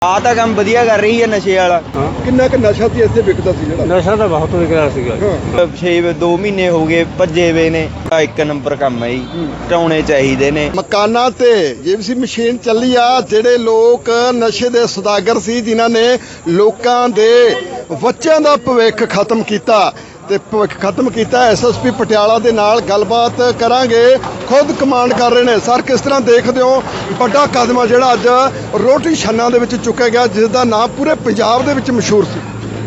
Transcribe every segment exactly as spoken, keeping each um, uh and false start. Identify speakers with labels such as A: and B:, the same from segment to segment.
A: ਆ ਤਾਂ ਕੰਮ ਵਧੀਆ ਕਰ ਰਹੀ ਹੈ ਨਸ਼ੇ ਵਾਲਾ।
B: ਕਿੰਨਾ ਕੁ ਨਸ਼ਾ ਸੀ ਇੱਥੇ ਵਿਕਦਾ ਸੀ? ਜਿਹੜਾ
C: ਨਸ਼ਾ ਤਾਂ ਬਹੁਤ ਵਿਕ ਰਿਹਾ ਸੀਗਾ।
A: ਛੇ ਦੋ ਮਹੀਨੇ ਹੋ ਗਏ ਭੱਜੇ ਵੇ ਨੇ। ਇੱਕ ਨੰਬਰ ਕੰਮ ਹੈ ਜੀ, ਟਾਉਣੇ ਚਾਹੀਦੇ ਨੇ।
B: ਮਕਾਨਾਂ ਤੇ ਜੀਵੀਸੀ ਮਸ਼ੀਨ ਚੱਲੀ ਆ। ਜਿਹੜੇ ਲੋਕ ਨਸ਼ੇ ਦੇ ਸੌਦਾਗਰ ਸੀ, ਜਿਨ੍ਹਾਂ ਨੇ ਲੋਕਾਂ ਦੇ ਬੱਚਿਆਂ ਦਾ ਭਵਿੱਖ ਖਤਮ ਕੀਤਾ ਤੇ ਭਵਿੱਖ ਖਤਮ ਕੀਤਾ। ਐਸਐਸਪੀ ਪਟਿਆਲਾ ਦੇ ਨਾਲ ਗੱਲਬਾਤ ਕਰਾਂਗੇ। ਖੁਦ ਕਮਾਂਡ ਕਰ ਰਹੇ ਨੇ। ਸਰ, ਕਿਸ ਤਰ੍ਹਾਂ ਦੇਖਦੇ ਹੋ ਵੱਡਾ ਕਦਮ ਆ ਜਿਹੜਾ ਅੱਜ ਰੋਟੀ ਛੰਨਾਂ ਦੇ ਵਿੱਚ ਚੁੱਕਿਆ ਗਿਆ, ਜਿਸ ਦਾ ਨਾਮ ਪੂਰੇ ਪੰਜਾਬ ਦੇ ਵਿੱਚ ਮਸ਼ਹੂਰ ਸੀ?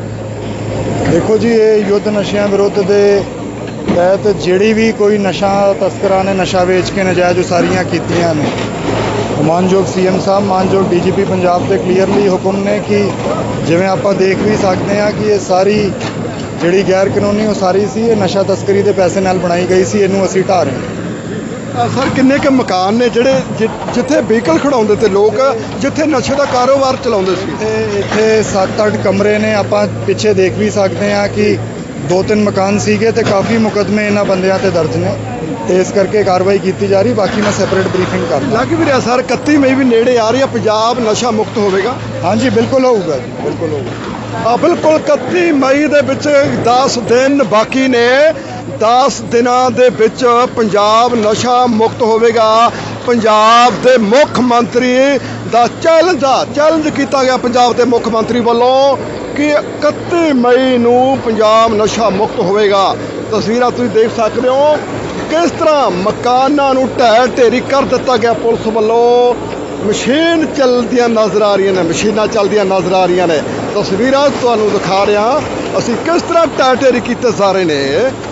D: ਦੇਖੋ ਜੀ, ਇਹ ਯੁੱਧ ਨਸ਼ਿਆਂ ਵਿਰੁੱਧ ਦੇ ਤਹਿਤ ਜਿਹੜੀ ਵੀ ਕੋਈ ਨਸ਼ਾ ਤਸਕਰਾਂ ਨੇ ਨਸ਼ਾ ਵੇਚ ਕੇ ਨਜਾਇਜ਼ ਉਸਾਰੀਆਂ ਕੀਤੀਆਂ ਨੇ, ਮਾਨਯੋਗ ਸੀਐਮ ਸਾਹਿਬ, ਮਾਨਯੋਗ ਡੀਜੀਪੀ ਪੰਜਾਬ ਦੇ ਕਲੀਅਰਲੀ ਹੁਕਮ ਨੇ ਕਿ ਜਿਵੇਂ ਆਪਾਂ ਦੇਖ ਵੀ ਸਕਦੇ ਹਾਂ ਕਿ ਇਹ ਸਾਰੀ ਜਿਹੜੀ ਗੈਰ ਕਾਨੂੰਨੀ ਉਸਾਰੀ ਸੀ, ਇਹ ਨਸ਼ਾ ਤਸਕਰੀ ਦੇ ਪੈਸੇ ਨਾਲ ਬਣਾਈ ਗਈ ਸੀ। ਇਹਨੂੰ ਅਸੀਂ ਢਾਹ ਰਹੇ ਹਾਂ।
B: ਸਰ, ਕਿੰਨੇ ਕੁ ਮਕਾਨ ਨੇ ਜਿਹੜੇ ਜਿੱਥੇ ਵਹੀਕਲ ਖੜਾਉਂਦੇ ਤੇ ਲੋਕ, ਜਿੱਥੇ ਨਸ਼ੇ ਦਾ ਕਾਰੋਬਾਰ ਚਲਾਉਂਦੇ ਸੀ?
D: ਇੱਥੇ ਇੱਥੇ ਸੱਤ ਅੱਠ ਕਮਰੇ ਨੇ। ਆਪਾਂ ਪਿੱਛੇ ਦੇਖ ਵੀ ਸਕਦੇ ਹਾਂ ਕਿ ਦੋ ਤਿੰਨ ਮਕਾਨ ਸੀਗੇ ਤੇ ਕਾਫੀ ਮੁਕੱਦਮੇ ਇਹਨਾਂ ਬੰਦਿਆਂ ਤੇ ਦਰਜ ਨੇ, ਤੇ ਇਸ ਕਰਕੇ ਕਾਰਵਾਈ ਕੀਤੀ ਜਾ ਰਹੀ। ਬਾਕੀ ਮੈਂ ਸੈਪਰੇਟ ਬਰੀਫਿੰਗ ਕਰਦਾ।
B: ਲੱਗ ਵੀ ਰਿਹਾ ਸਰ, ਇਕੱਤੀ ਮਈ ਵੀ ਨੇੜੇ ਆ ਰਹੀ ਹੈ, ਪੰਜਾਬ ਨਸ਼ਾ ਮੁਕਤ ਹੋਵੇਗਾ?
D: ਹਾਂਜੀ, ਬਿਲਕੁਲ ਹੋਊਗਾ ਜੀ, ਬਿਲਕੁਲ ਹੋਊਗਾ।
B: ਆ ਬਿਲਕੁਲ ਇਕੱਤੀ ਮਈ ਦੇ ਵਿੱਚ ਦਸ ਦਿਨ ਬਾਕੀ ਨੇ। ਦਸ ਦਿਨਾਂ ਦੇ ਵਿੱਚ ਪੰਜਾਬ ਨਸ਼ਾ ਮੁਕਤ ਹੋਵੇਗਾ। ਪੰਜਾਬ ਦੇ ਮੁੱਖ ਮੰਤਰੀ ਦਾ ਚੈਲੰਜ ਆ ਚੈਲੰਜ ਕੀਤਾ ਗਿਆ ਪੰਜਾਬ ਦੇ ਮੁੱਖ ਮੰਤਰੀ ਵੱਲੋਂ ਕਿ ਇਕੱਤੀ ਮਈ ਨੂੰ ਪੰਜਾਬ ਨਸ਼ਾ ਮੁਕਤ ਹੋਵੇਗਾ। ਤਸਵੀਰਾਂ ਤੁਸੀਂ ਦੇਖ ਸਕਦੇ ਹੋ ਕਿਸ ਤਰ੍ਹਾਂ ਮਕਾਨਾਂ ਨੂੰ ਢਹਿ ਢੇਰੀ ਕਰ ਦਿੱਤਾ ਗਿਆ ਪੁਲਿਸ ਵੱਲੋਂ। ਮਸ਼ੀਨ ਚੱਲਦੀਆਂ ਨਜ਼ਰ ਆ ਰਹੀਆਂ ਨੇ, ਮਸ਼ੀਨਾਂ ਚੱਲਦੀਆਂ ਨਜ਼ਰ ਆ ਰਹੀਆਂ ਨੇ। ਤਸਵੀਰਾਂ ਤੁਹਾਨੂੰ ਦਿਖਾ ਰਿਹਾ ਅਸੀਂ ਕਿਸ ਤਰ੍ਹਾਂ ਢਹਿ ਢੇਰੀ ਕੀਤੇ ਜਾ ਰਹੇ ਨੇ।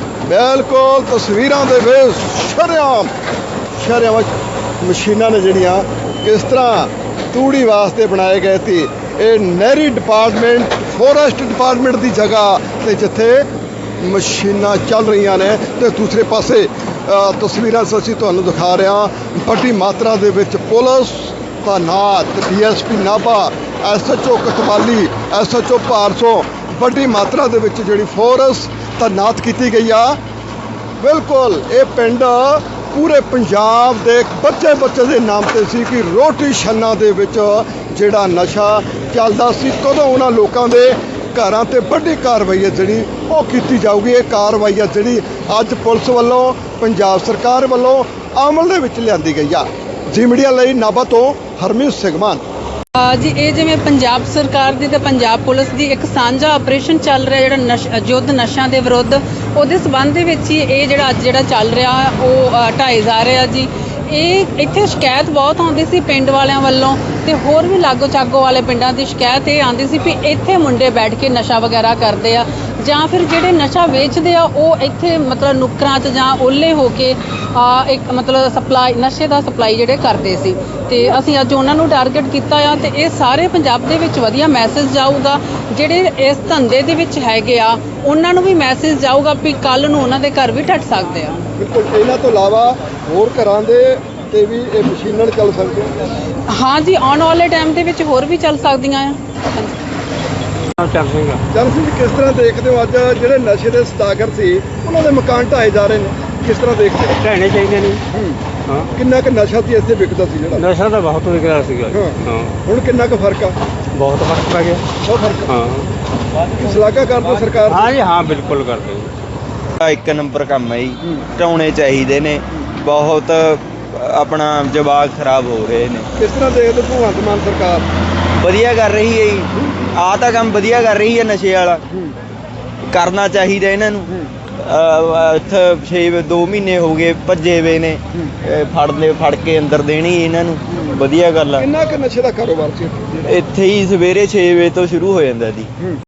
B: ਬਿਲਕੁਲ ਤਸਵੀਰਾਂ ਦੇ ਵਿੱਚ ਸ਼ਰੇਆਮ ਸ਼ਰੇਆਮ ਮਸ਼ੀਨਾਂ ਨੇ ਜਿਹੜੀਆਂ ਕਿਸ ਤਰ੍ਹਾਂ ਤੂੜੀ ਵਾਸਤੇ ਬਣਾਏ ਗਏ ਸੀ। ਇਹ ਨਹਿਰੀ ਡਿਪਾਰਟਮੈਂਟ, ਫੋਰੈਸਟ ਡਿਪਾਰਟਮੈਂਟ ਦੀ ਜਗ੍ਹਾ ਤੇ ਜਿੱਥੇ ਮਸ਼ੀਨਾਂ ਚੱਲ ਰਹੀਆਂ ਨੇ, ਤੇ ਦੂਸਰੇ ਪਾਸੇ ਤਸਵੀਰਾਂ ਅਸੀਂ ਤੁਹਾਨੂੰ ਦਿਖਾ ਰਹੇ ਹਾਂ ਵੱਡੀ ਮਾਤਰਾ ਦੇ ਵਿੱਚ ਪੁਲਿਸ ਤਾਇਨਾਤ, DSP Nabha, SHO Kotwali, SHO Bharson, ਵੱਡੀ ਮਾਤਰਾ ਦੇ ਵਿੱਚ ਜਿਹੜੀ ਫੋਰਸ ਤਾਇਨਾਤ ਕੀਤੀ ਗਈ ਆ। ਬਿਲਕੁਲ ਇਹ ਪਿੰਡ ਪੂਰੇ ਪੰਜਾਬ ਦੇ ਬੱਚੇ ਬੱਚੇ ਦੇ ਨਾਮ ਤੇ ਸੀ ਕਿ ਰੋਟੀ ਛੰਨਾਂ ਦੇ ਵਿੱਚ ਜਿਹੜਾ ਨਸ਼ਾ ਚੱਲਦਾ ਸੀ। ਕਦੋਂ ਉਹਨਾਂ ਲੋਕਾਂ ਦੇ ਘਰਾਂ ਤੇ ਵੱਡੀ ਕਾਰਵਾਈ ਹੈ ਜਿਹੜੀ ਉਹ ਕੀਤੀ ਜਾਊਗੀ। ਇਹ ਕਾਰਵਾਈ ਹੈ ਜਿਹੜੀ ਅੱਜ ਪੁਲਿਸ ਵੱਲੋਂ, ਪੰਜਾਬ ਸਰਕਾਰ ਵੱਲੋਂ ਅਮਲ ਦੇ ਵਿੱਚ ਲਿਆਂਦੀ ਗਈ ਆ। ਜੀ ਮੀਡੀਆ ਲਈ ਨਾਭਾ ਤੋਂ ਹਰਮੀਤ ਸਿੰਘ ਮਾਨ।
E: ਜੀ, ਇਹ ਜਿਵੇਂ ਪੰਜਾਬ ਸਰਕਾਰ ਦੀ ਤੇ ਪੰਜਾਬ ਪੁਲਿਸ ਦੀ ਇੱਕ ਸਾਂਝਾ ਆਪਰੇਸ਼ਨ ਚੱਲ ਰਿਹਾ ਜਿਹੜਾ ਨਸ਼ ਯੁੱਧ ਨਸ਼ਿਆਂ ਦੇ ਵਿਰੁੱਧ, ਉਹਦੇ ਸਬੰਧ ਦੇ ਵਿੱਚ ਹੀ ਇਹ ਜਿਹੜਾ ਅੱਜ ਜਿਹੜਾ ਚੱਲ ਰਿਹਾ ਉਹ ਢਾਏ ਜਾ ਰਿਹਾ ਜੀ। ਇਹ ਇੱਥੇ ਸ਼ਿਕਾਇਤ ਬਹੁਤ ਆਉਂਦੀ ਸੀ ਪਿੰਡ ਵਾਲਿਆਂ ਵੱਲੋਂ, ਤੇ ਹੋਰ ਵੀ ਲਾਗੋ ਚਾਗੋ ਵਾਲੇ ਪਿੰਡਾਂ ਦੀ ਸ਼ਿਕਾਇਤ ਇਹ ਆਉਂਦੀ ਸੀ ਵੀ ਇੱਥੇ ਮੁੰਡੇ ਬੈਠ ਕੇ ਨਸ਼ਾ ਵਗੈਰਾ ਕਰਦੇ ਆ, ਜਾਂ ਫਿਰ ਜਿਹੜੇ ਨਸ਼ਾ ਵੇਚਦੇ ਆ ਉਹ ਇੱਥੇ ਮਤਲਬ ਨੁੱਕਰਾਂ 'ਚ ਜਾਂ ਓਲੇ ਹੋ ਕੇ ਇੱਕ ਮਤਲਬ ਸਪਲਾਈ ਨਸ਼ੇ ਦਾ ਸਪਲਾਈ ਜਿਹੜੇ ਕਰਦੇ ਸੀ। ਤੇ ਅਸੀਂ ਅੱਜ ਉਹਨਾਂ ਨੂੰ ਟਾਰਗੇਟ ਕੀਤਾ ਆ, ਤੇ ਇਹ ਸਾਰੇ ਪੰਜਾਬ ਦੇ ਵਿੱਚ ਵਧੀਆ ਮੈਸੇਜ ਜਾਊਗਾ। ਜਿਹੜੇ ਇਸ ਧੰਦੇ ਦੇ ਵਿੱਚ ਹੈਗੇ ਆ ਉਹਨਾਂ ਨੂੰ ਵੀ ਮੈਸੇਜ ਜਾਊਗਾ ਵੀ ਕੱਲ੍ਹ ਨੂੰ ਉਹਨਾਂ ਦੇ ਘਰ ਵੀ ਢੱਟ ਸਕਦੇ ਆ।
B: ਬਿਲਕੁਲ। ਇਹਨਾਂ ਤੋਂ ਇਲਾਵਾ ਹੋਰ ਘਰਾਂ ਦੇ ਤੇ ਵੀ ਇਹ ਮਸ਼ੀਨਾਂ ਚੱਲ ਸਕਦੀਆਂ?
E: ਹਾਂ ਜੀ, ਆਉਣ ਵਾਲੇ ਟਾਈਮ ਦੇ ਵਿੱਚ ਹੋਰ ਵੀ ਚੱਲ ਸਕਦੀਆਂ ਆ।
C: ਚੱਲ ਸਿੰਘਾ
B: ਚੱਲ ਸਿੰਘ, ਕਿਸ ਤਰ੍ਹਾਂ ਦੇਖਦੇ ਹੋ ਅੱਜ ਜਿਹੜੇ ਨਸ਼ੇ ਦੇ ਸੌਦਾਗਰ ਸੀ ਉਹਨਾਂ ਦੇ ਮਕਾਨ ਢਾਏ ਜਾ ਰਹੇ ਨੇ? ਕਿਸ ਤਰ੍ਹਾਂ ਦੇਖਦੇ ਹੋ?
C: ਢਹਿਣੇ ਚਾਹੀਦੇ ਨੇ। ਹਾਂ,
B: ਕਿੰਨਾ ਕੁ ਨਸ਼ਾ ਸੀ ਇੱਥੇ ਵਿਕਦਾ ਸੀ? ਜਿਹੜਾ
C: ਨਸ਼ਾ ਤਾਂ ਬਹੁਤ ਵਿਕ ਰਿਹਾ ਸੀਗਾ। ਹਾਂ,
B: ਹੁਣ ਕਿੰਨਾ ਕੁ ਫਰਕ ਆ?
C: ਬਹੁਤ ਫਰਕ ਪੈ ਗਿਆ।
B: ਬਹੁਤ ਫਰਕ ਆ।
C: ਹਾਂ,
B: ਸ਼ਲਾਘਾ ਕਰਦੇ ਸਰਕਾਰ ਦੀ?
C: ਹਾਂ ਜੀ, ਹਾਂ ਬਿਲਕੁਲ ਕਰਦੇ।
A: ਇੱਕ ਨੰਬਰ ਕੰਮ ਹੈ ਜੀ, ਟਾਉਣੇ ਚਾਹੀਦੇ ਨੇ। ਬਹੁਤ ਆਪਣਾ ਜਵਾਕ ਖਰਾਬ ਹੋ ਰਹੇ ਨੇ।
B: ਕਿਸ ਤਰ੍ਹਾਂ ਦੇਖਦੇ ਭਗਵੰਤ ਮਾਨ ਸਰਕਾਰ?
A: ਵਧੀਆ ਕਰ ਰਹੀ ਹੈ ਜੀ। ਆ ਤਾਂ ਕੰਮ ਵਧੀਆ ਕਰ ਰਹੀ ਹੈ ਨਸ਼ੇ ਵਾਲਾ। ਕਰਨਾ ਚਾਹੀਦਾ ਇਹਨਾਂ ਨੂੰ। ਇੱਥੇ ਛੇ ਦੋ ਮਹੀਨੇ ਹੋ ਗਏ ਭੱਜੇ ਵੇ ਨੇ। ਫੜ ਲੈ ਫੜ ਕੇ ਅੰਦਰ ਦੇਣੀ ਇਹਨਾਂ ਨੂੰ। ਵਧੀਆ ਗੱਲ ਆ।
B: ਕਿੰਨਾ ਕੁ ਨਸ਼ੇ ਦਾ ਕਾਰੋਬਾਰ ਸੀ
A: ਇੱਥੇ ਹੀ ਸਵੇਰੇ ਛੇ ਵਜੇ ਤੋਂ ਸ਼ੁਰੂ ਹੋ ਜਾਂਦਾ ਜੀ।